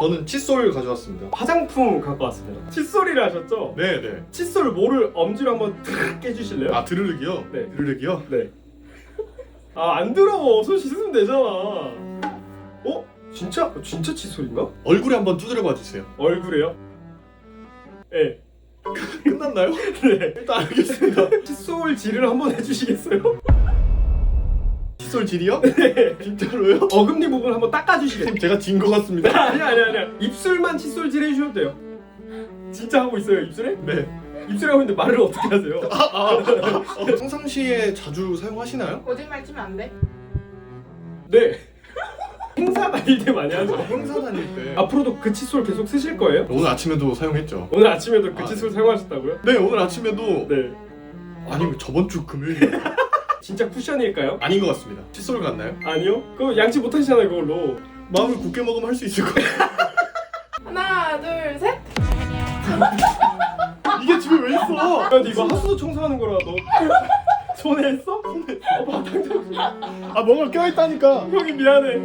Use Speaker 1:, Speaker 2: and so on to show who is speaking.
Speaker 1: 저는 칫솔 가져왔습니다.
Speaker 2: 화장품 갖고 왔습니다. 칫솔이라 하셨죠?
Speaker 1: 네네.
Speaker 2: 칫솔 모를 엄지로 한번 탁 깨주실래요?
Speaker 1: 아 드르륵이요?
Speaker 2: 네.
Speaker 1: 드르륵이요?
Speaker 2: 네. 아 안 더러워. 손 씻으면 되잖아. 어? 진짜 칫솔인가?
Speaker 1: 얼굴에 한번 두드려 봐주세요.
Speaker 2: 얼굴에요? 네.
Speaker 1: 끝났나요?
Speaker 2: 네.
Speaker 1: 일단 알겠습니다.
Speaker 2: 칫솔 질을 한번 해주시겠어요?
Speaker 1: 칫솔 질이요? 네. 진짜로요?
Speaker 2: 어금니 부분 한번 닦아주시겠어요?
Speaker 1: 제가 진 것 같습니다.
Speaker 2: 아니야. 입술만 칫솔 질 해주셔도 돼요. 진짜 하고 있어요 입술에?
Speaker 1: 네.
Speaker 2: 입술에 하고 있는데 말을 어떻게 하세요?
Speaker 1: 평상시에 자주 사용하시나요?
Speaker 3: 거짓말 치면 안 돼?
Speaker 2: 네. 행사 다닐 때 많이 하죠.
Speaker 1: 행사 다닐 때.
Speaker 2: 앞으로도 그 칫솔 계속 쓰실 거예요?
Speaker 1: 오늘 아침에도 사용했죠.
Speaker 2: 오늘 아침에도 그
Speaker 1: 아,
Speaker 2: 칫솔 사용하셨다고요?
Speaker 1: 네 오늘 아침에도.
Speaker 2: 네.
Speaker 1: 아니 저번 주 금요일.
Speaker 2: 진짜 쿠션일까요?
Speaker 1: 아닌 것 같습니다. 칫솔 같나요?
Speaker 2: 아니요. 그거 양치 못 하시잖아요 그걸로.
Speaker 1: 마음을 굳게 먹으면 할 수 있을 거예요.
Speaker 3: 하나, 둘, 셋.
Speaker 1: 이게 집에 왜 있어?
Speaker 2: 야, 근데 이거 하수도 청소하는 거라 너 손에 했어? 손에. 아,
Speaker 1: 아 뭔가 껴있다니까.
Speaker 2: 형이 미안해.